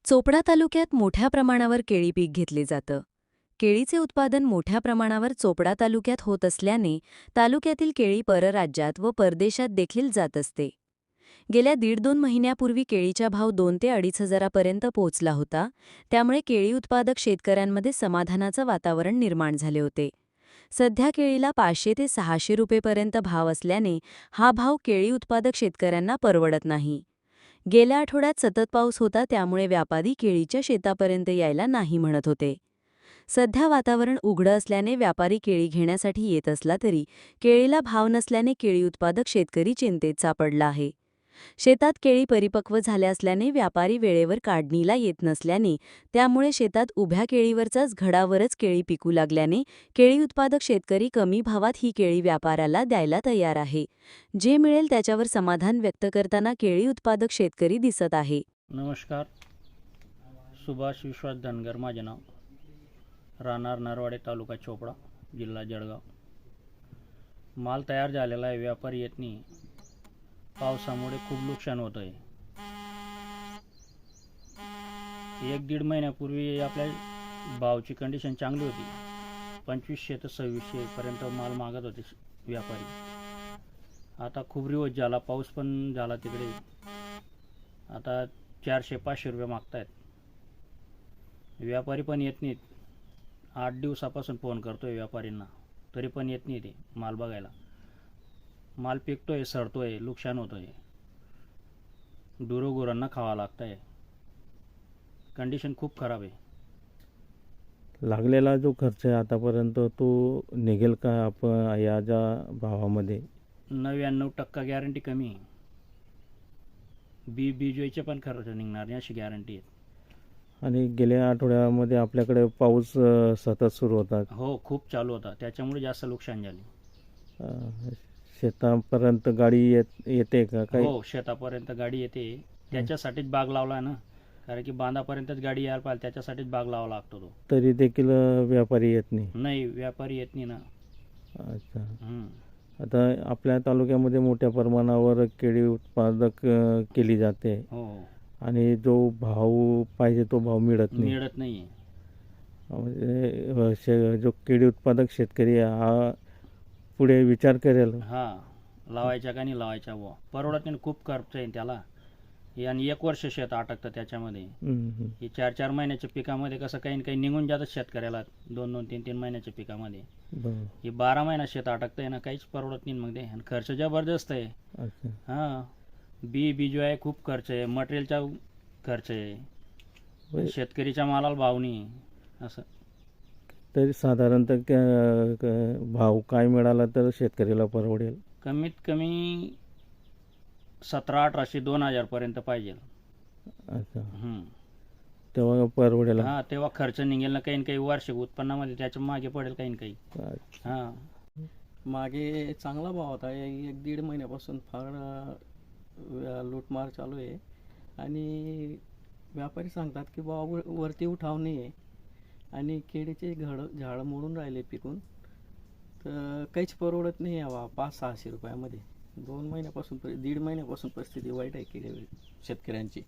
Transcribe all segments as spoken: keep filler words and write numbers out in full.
चोपडा तालुक्यात मोठ्या प्रमाणावर केळी पीक घेतले जातं. केळीचे उत्पादन मोठ्या प्रमाणावर चोपडा तालुक्यात होत असल्याने तालुक्यातील केळी परराज्यात व परदेशात देखील जात असते. गेल्या दीड दोन महिन्यापूर्वी केळीचा भाव दोन ते अडीच हजारापर्यंत पोहोचला होता. त्यामुळे केळी उत्पादक शेतकऱ्यांमध्ये समाधानाचं वातावरण निर्माण झाले होते. सध्या केळीला पाचशे ते सहाशे रुपयेपर्यंत भाव असल्याने हा भाव केळी उत्पादक शेतकऱ्यांना परवडत नाही. गेल्या आठवड्यात सतत पाऊस होता, त्यामुळे व्यापारी केळीच्या शेतापर्यंत यायला नाही म्हणत होते. सध्या वातावरण उघडं असल्याने व्यापारी केळी घेण्यासाठी येत असला तरी केळीला भाव नसल्याने केळी उत्पादक शेतकरी चिंतेत सापडला आहे. शेतात केळी परिपक्व झाल्या असल्याने व्यापारी वेळेवर काढणीला येत नसल्याने त्यामुळे शेतात उभ्या केळीवरचाच घडावरच केळी पिकू लागल्याने केळी उत्पादक शेतकरी कमी भावात ही केळी व्यापाऱ्याला द्यायला तयार आहे. जे मिळेल त्याच्यावर समाधान व्यक्त करताना केळी उत्पादक शेतकरी दिसत आहे. नमस्कार, सुभाष विश्वास धनगर माझे नाव, राहणार नरवाडे, तालुका चोपडा, जिल्हा जळगाव. माल तयार झालेला आहे, व्यापारी येत नाही. पावसामुळे खूप नुकसान होत आहे. एक दीड महिन्यापूर्वी आपल्या भावची कंडिशन चांगली होती. पंचवीसशे ते सव्वीसशे पर्यंत माल मागत होते व्यापारी. आता खूप रिवर्स झाला, पाऊस पण झाला तिकडे. आता चारशे पाचशे रुपये मागतायत. व्यापारी पण येत नाहीत. आठ दिवसापासून फोन करतोय व्यापारींना, तरी पण येत नाही ते माल बघायला. माल पिकतोय, सडतोय, नुकसान होतोय. गुरांना खावा लागतंय. कंडिशन खूप खराब आहे. लागलेला जो खर्च आहे आतापर्यंत तो निघेल का आपण या ज्या भावामध्ये? नव्याण्णव टक्का गॅरंटी कमी आहे. बी बीजोईचे पण खर्च निघणार नाही अशी गॅरंटी आहे. आणि गेल्या आठवड्यामध्ये आपल्याकडे पाऊस अ, सतत सुरू होता. हो, खूप चालू होता, त्याच्यामुळे जास्त नुकसान झाले. अ, शेतापर्यंत गाडी येत येते का काही? हो, शेतापर्यंत गाडी येते. त्याच्यासाठीच बाग लावला ना, कारण की बांधापर्यंतच गाडी यायला पाहिजे, त्याच्यासाठीच बाग लावा लागतो तो. तरी देखील अ, व्यापारी येत नाही. नाही, व्यापारी येत नाही ना. अच्छा. हम्म. आता आपल्या तालुक्यामध्ये मोठ्या प्रमाणावर केळी उत्पादक अ, केली जाते हो, आणि जो भाव पाहिजे तो भाव मिळत नाही. मिळत नाही. म्हणजे अ, शे जो केळी उत्पादक शेतकरी आहे, हा पुढे विचार करेल. हा, लावायच्या का नाही लावायच्या बुवा, परवडत नाही. खूप खर्च आहे त्याला. हे आणि एक वर्ष शेत अटकतं त्याच्यामध्ये. हम्म, हम्म. हे चार चार महिन्याच्या पिकामध्ये कसं काही न काही निघून जातं शेतकऱ्याला, दोन दोन तीन तीन महिन्याच्या पिकामध्ये. बरं. हे बारा महिना शेत अटकतंय ना, काहीच परवडत नाही मग ते. आणि खर्च जबरदस्त आहे. अच्छा. हां, बी बीजो आहे, खूप खर्च आहे, मटेरियलचा खर्च आहे, बरं. शेतकरीच्या मालाला भाव नाही असं. तरी साधारणतः क- क- भाव काय मिळाला तर शेतकऱ्याला परवडेल? कमीत कमी सतरा अठराशे दोन हजार पर्यंत पाहिजे. अच्छा. हम्म. तेव्हा परवडेल. हा, तेव्हा खर्च निघेल ना, काही ना काही वार्षिक उत्पन्नामध्ये त्याच्या मागे पडेल काही ना काही. अच्छा. हा, मागे चांगला भाव होता. ए- एक दीड महिन्यापासून फार अ, लूटमार चालू आहे आणि व्यापारी सांगतात की बाबा वर- वरती उठाव नाही आहे आणि केळीचे घड झाडं मोडून राहिले पिकून, तर काहीच परवडत नाही आहे बा पाच सहाशे रुपयामध्ये. दोन महिन्यापासून परि- दीड महिन्यापासून परिस्थिती वाईट आहे केळी शेतकऱ्यांची.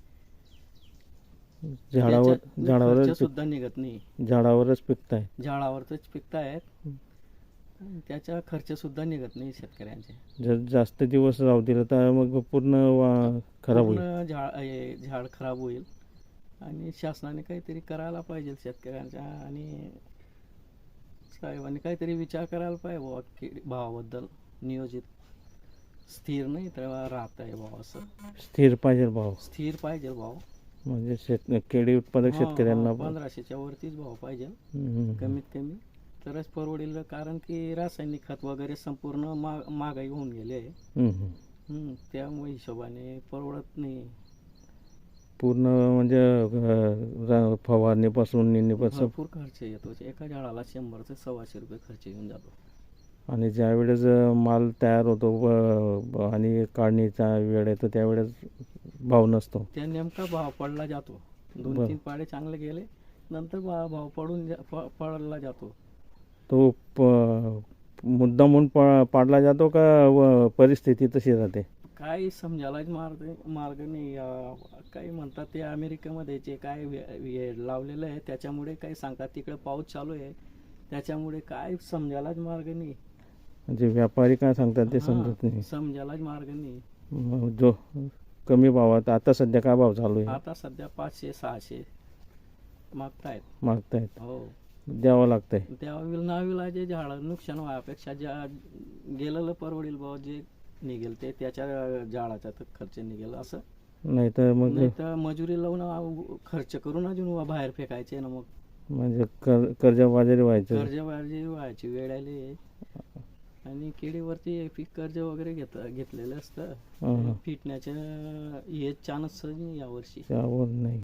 झाडावर त्याच्यात झाडावरच खर्च सुद्धा निघत नाही. पिक- झाडावरच पिकताय. झाडावरच पिकतायत, त्याचा खर्च सुद्धा निघत नाही शेतकऱ्यांचे. जर जास्त दिवस राहू दिलं तर मग पूर्ण वा- खराब होईल. पूर्ण झाड हे झाड खराब होईल आणि शासनाने काहीतरी करायला पाहिजे शेतकऱ्यांच्या, आणि साहेबांनी काहीतरी विचार करायला पाहिजे बाबा की भावाबद्दल. नियोजित स्थिर नाही तर राहत आहे भाव, असं स्थिर पाहिजे भाव. स्थिर पाहिजे भाव. म्हणजे शेत केळी उत्पादक हा, शेतकऱ्यांना हा, पंधराशेच्या वरतीच भाव पाहिजे हम्म. कमीत कमी, तरच परवडेल. कारण की रासायनिक खत वगैरे संपूर्ण मा महागाई होऊन गेले आहे. हम्म. हम्म, त्यामुळे हिशोबाने परवडत नाही. पूर्ण म्हणजे अ, रा- फवारणीपासून निंदीपासून. भरपूर खर्च येतो. एका झाडाला शंभर ते सव्वाशे रुपये खर्च येऊन जातो. आणि ज्या वेळेस अ, माल तयार होतो व- ब- आणि काढणीचा वेळ येतो त्यावेळेस भाव नसतो. त्या नेमका भाव पडला जातो. दोन बरं. तीन पाडे चांगले गेले, नंतर भा- भाव पडून जा- प- पडला जातो. तो प मुद्दामून प पाडला जातो का व परिस्थिती तशी राहते? काही समजायलाच मार्ग मार्ग नाही. अं, काही म्हणतात ते अमेरिकेमध्ये जे काय वे- हे लावलेलं आहे त्याच्यामुळे काही सांगतात तिकडे पाऊस चालू आहे त्याच्यामुळे काय समजायलाच मार्ग नाही. म्हणजे व्यापारी काय सांगतात ते हां, समजत नाही. समजायलाच मार्ग नाही. मग जो कमी भावात आता सध्या काय भाव चालू आहे आता सध्या पाचशे सहाशे मागतायत. मागतायत, हो, द्यावं लागतंय. त्यावेळी नाविलाजे झाडं नुकसान व्हायपेक्षा ज्या गेलेलं परवडील भाव जे निघेल ते त्याच्या झाडाचा तर खर्च निघेल असं. नाही तर मग नाही तर मजुरी लावून आ- खर्च करून अजून बाहेर फेकायचे ना मग म्हणजे कर कर्जबाजारी व्हायचं. कर्जबाजी व्हायची वेळ आली. आणि केळीवरती पीक कर्ज वगैरे घेत घेतलेलं असतं. हां, हां. फिटण्याच्या हे चान्स नाही यावर्षी. त्यावर नाही.